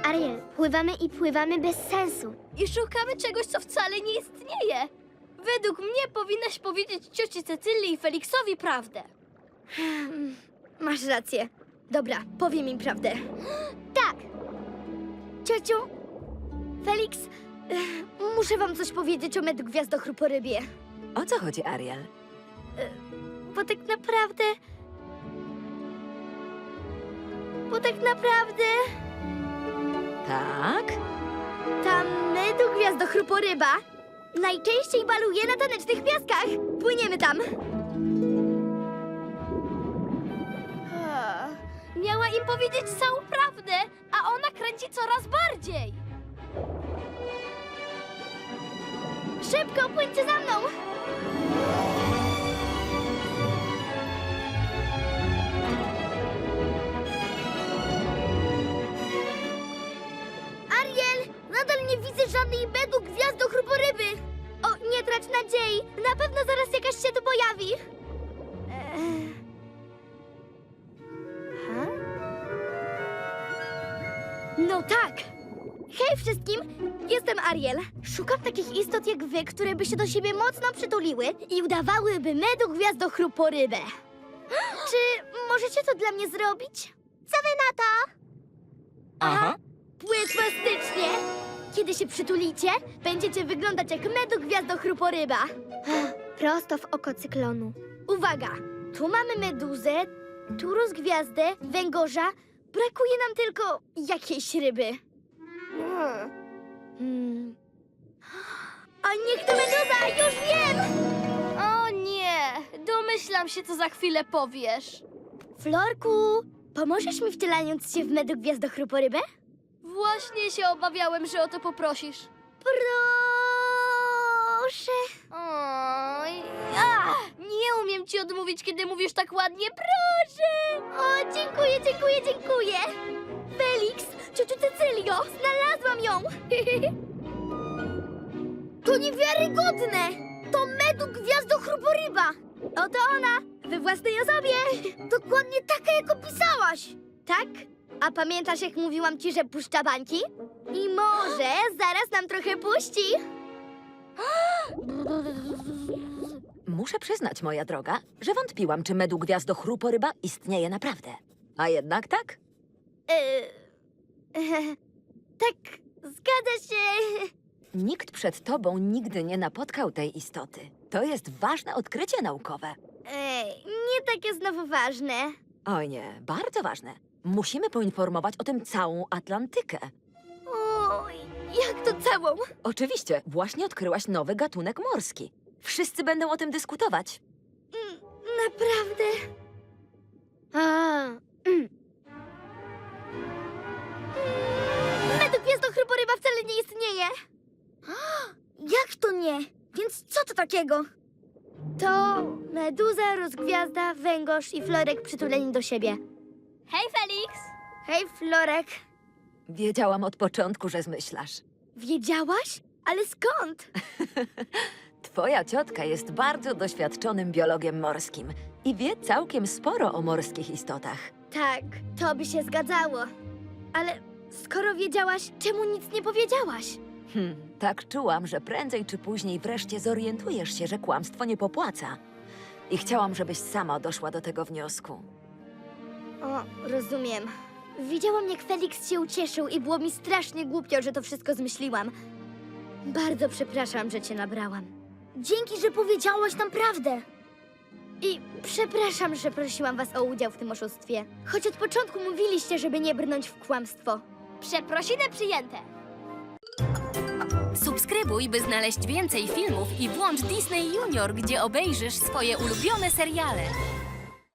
Ariel, pływamy i pływamy bez sensu. I szukamy czegoś, co wcale nie istnieje. Według mnie powinnaś powiedzieć cioci Cecylii i Feliksowi prawdę. Masz rację. Dobra, powiem im prawdę. Tak, Ciociu, Felix, muszę wam coś powiedzieć o medgwiazdochruporybie. O co chodzi, Ariel? Bo tak naprawdę... Tak? Ta medgwiazdochruporyba najczęściej baluje na tanecznych piaskach. Płyniemy tam. Miała im powiedzieć całą prawdę, a ona kręci coraz bardziej. Szybko, płyńcie za mną. Ariel, nadal nie widzę żadnej medgwiazdochruporyby. O, nie trać nadziei. Na pewno zaraz jakaś się tu pojawi. No tak. Hej wszystkim, jestem Ariel. Szukam takich istot jak wy, które by się do siebie mocno przytuliły i udawałyby medgwiazdochruporybę. Czy możecie to dla mnie zrobić? Co wy na to? Aha. Płytwastycznie! Kiedy się przytulicie, będziecie wyglądać jak medgwiazdochruporyba. prosto w oko cyklonu. Uwaga! Tu mamy meduzę, tu rozgwiazdę, węgorza. Brakuje nam tylko jakiejś ryby. A niech to meduza! Już wiem! O nie, domyślam się, co za chwilę powiesz. Florku, pomożesz mi wcielając się w medgwiazdochruporybę? Właśnie się obawiałem, że o to poprosisz. Proszę. Oj, nie umiem ci odmówić, kiedy mówisz tak ładnie. Proszę! O, dziękuję, dziękuję, dziękuję. Felix, ciociu Cecylio, znalazłam ją. To niewiarygodne. To medgwiazdochruporyba. Oto ona, we własnej osobie. Dokładnie taka, jak opisałaś. Tak? A pamiętasz, jak mówiłam ci, że puszcza bańki? I może zaraz nam trochę puści. Muszę przyznać, moja droga, że wątpiłam, czy medgwiazdochruporyba istnieje naprawdę. A jednak tak? Tak, zgadza się. Nikt przed tobą nigdy nie napotkał tej istoty. To jest ważne odkrycie naukowe. Nie takie znowu ważne. Oj nie, bardzo ważne. Musimy poinformować o tym całą Atlantykę. Oj, jak to całą? Oczywiście, właśnie odkryłaś nowy gatunek morski. Wszyscy będą o tym dyskutować. Naprawdę? Medgwiazdochruporyba wcale nie istnieje. Jak to nie? Więc co to takiego? To meduza, rozgwiazda, węgorz i Florek przytuleni do siebie. Hej, Felix! Hej, Florek. Wiedziałam od początku, że zmyślasz. Wiedziałaś? Ale skąd? Twoja ciotka jest bardzo doświadczonym biologiem morskim i wie całkiem sporo o morskich istotach. Tak, to by się zgadzało. Ale skoro wiedziałaś, czemu nic nie powiedziałaś? Tak czułam, że prędzej czy później wreszcie zorientujesz się, że kłamstwo nie popłaca. I chciałam, żebyś sama doszła do tego wniosku. O, rozumiem. Widziałam, jak Felix się ucieszył i było mi strasznie głupio, że to wszystko zmyśliłam. Bardzo przepraszam, że cię nabrałam. Dzięki, że powiedziałaś nam prawdę. I przepraszam, że prosiłam was o udział w tym oszustwie. Choć od początku mówiliście, żeby nie brnąć w kłamstwo. Przeprosiny przyjęte. Subskrybuj, by znaleźć więcej filmów i włącz Disney Junior, gdzie obejrzysz swoje ulubione seriale.